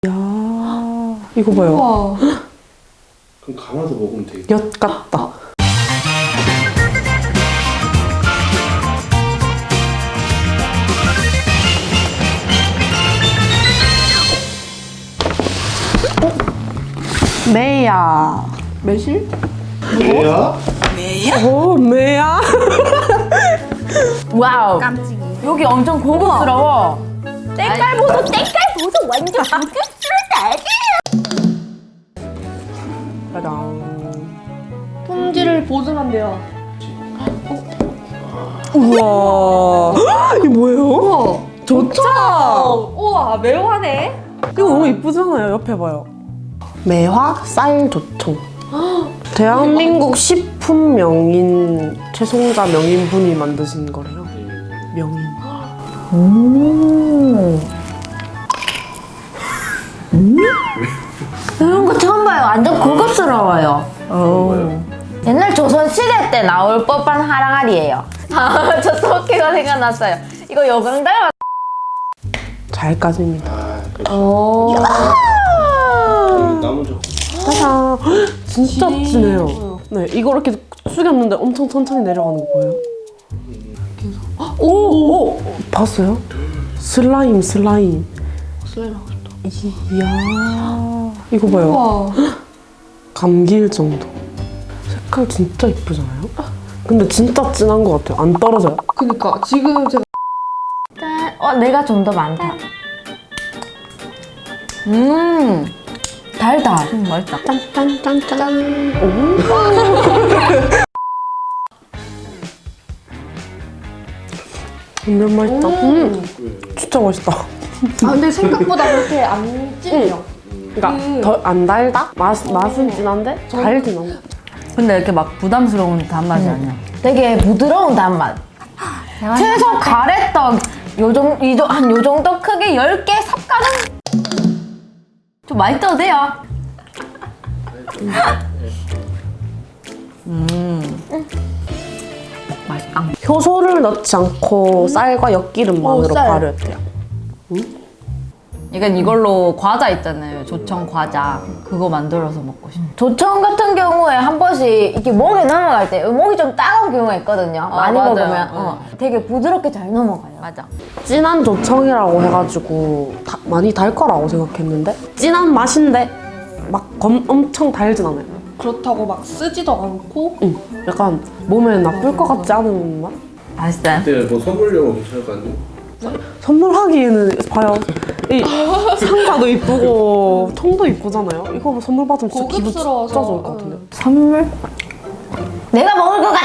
야, 이거 봐요. 우와. 그럼 감아서 먹으면 되겠다. 엿 같다. 매야. 매실? 뭐야? 오, 매야. 와우. 깜찍이. 여기 엄청 고급스러워. 때깔 보소, 완전 고급스럽다. 짜잔. 품질을 보증한대요. 우와. 이게 뭐예요? 우와. 좋죠? 우와, 매워하네. 이거 너무 이쁘잖아요. 옆에 봐요. 매화 쌀조청. 대한민국 식품 명인 최송자 명인분이 만드신 거래요. 명인. 이런 거 처음 봐요. 완전 고급스러워요. 옛날 조선시대 때 나올 법한 하랑알이에요. 아, 저 토끼가 생각났어요. 이거 여강 닮았. 잘 까집니다. 아, 그렇지. 오. 남은 저 짜잔. 진짜 진해요. 네, 이거 이렇게 숙였는데 엄청 천천히 내려가는 거 보여요? 오! 봤어요? 슬라임. 슬라임 하고 싶다. 이야. 이거 봐요. 우와. 감길 정도. 색깔 진짜 이쁘잖아요? 근데 진짜 진한 것 같아요. 안 떨어져요. 그니까 지금 제가 내가 좀 더 많다. 달달. 맛있다. 짠짠짠짠. 오. 완전 맛있다. 진짜 맛있다. 아 근데 생각보다 그렇게 안 찔려. 그러니까 더 안 달다? 맛은 진한데 달진 않아. 근데 이렇게 막 부담스러운 단맛이 아니야. 되게 부드러운 단맛. 최소 가래떡 한 요 정도 크게 10개 삽가는 좀 많이 떠도 돼요. 맛있다. 효소를 넣지 않고 쌀과 엿기름만으로 쌀. 발효했대요. 이건 이걸로 과자 있잖아요. 조청 과자. 그거 만들어서 먹고 싶어. 조청 같은 경우에 한 번씩 이렇게 목에 넘어갈 때 목이 좀 따가운 경우가 있거든요. 많이 맞아요. 먹으면 되게 부드럽게 잘 넘어가요. 맞아. 진한 조청이라고 해가지고 많이 달 거라고 생각했는데 진한 맛인데 막 엄청 달진 않아요. 그렇다고 막 쓰지도 않고. 약간 몸에 나쁠 것 같지 않은 맛? 맛있어요? 그때 뭐 선물용 괜찮을 것 같네. 선물하기에는 봐요. 이 상자도 이쁘고 통도 이쁘잖아요. 이거 선물 받으면 진짜 기분 진짜 고급스러워서. 좋을 것 같은데. 선물? 내가 먹을 것